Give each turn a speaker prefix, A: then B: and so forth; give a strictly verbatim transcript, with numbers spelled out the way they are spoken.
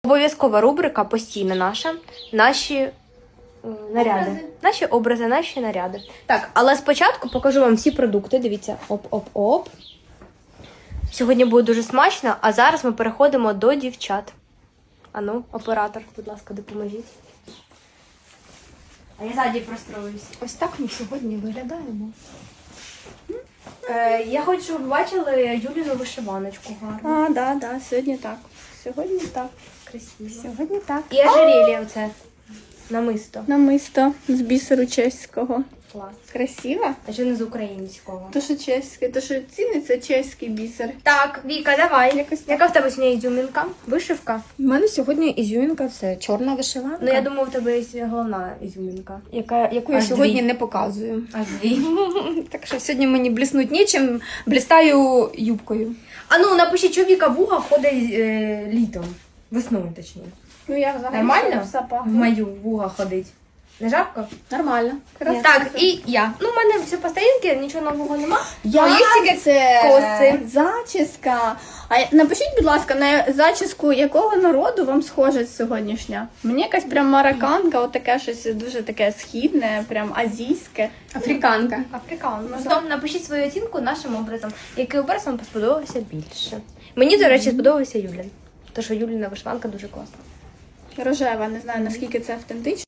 A: Обов'язкова рубрика постійна наша. Наші е, наряди.
B: Образи.
A: Наші образи, наші наряди. Так, але спочатку покажу вам всі продукти. Дивіться, оп-оп-оп. Сьогодні буде дуже смачно, а зараз ми переходимо до дівчат. Ану, оператор, будь ласка, допоможіть. А я ззаді простроюсь.
B: Ось так ми сьогодні виглядаємо.
A: Е, я хочу, щоб ви бачили Юліну вишиваночку гарну.
B: А, да, да, сьогодні так. Сьогодні так.
A: Красиво.
B: Сьогодні так.
A: І ожерелье оце. Намисто.
B: Намисто з бісеру чеського.
A: Клас.
B: Красиво?
A: А що не з українського?
B: То, що чеське, то, що ціниться чеський бісер.
A: Так, Віка, давай.
B: Якось так.
A: Яка в тебе сьогодні ізюмінка? Вишивка?
C: У мене сьогодні ізюмінка, це чорна вишиванка,
A: Ну, я думаю, в тебе є головна ізюмінка.
C: яка, яку я
A: Аж
C: сьогодні
A: дві.
C: не показую.
A: Аж дві.
C: Так що сьогодні мені бліснуть нічим, блістаю юбкою.
A: А ну, напишіть, що Віка вуга ходить е, літом. Весною, точніше.
B: Ну, я взагалі
A: Нормально?
B: все
A: В
B: пахне.
A: мою вуга ходить. Не жарко?
C: Нормально.
A: Так, і я. Ну, в мене все по старінки, нічого нового нема.
B: Я
A: Ну, є тільки
B: це
A: коси.
B: зачіска. А напишіть, будь ласка, на зачіску якого народу вам схожа сьогоднішня? Мені якась прям марокканка, отаке щось дуже таке східне, прям азійське.
C: Африканка.
A: Африкан. Потім напишіть свою оцінку нашим образом. Який образ вам сподобався більше? Мені, до речі, сподобався Юлін. Тому що Юліна вишиванка дуже класна.
B: Рожева, не знаю, наскільки це автентично.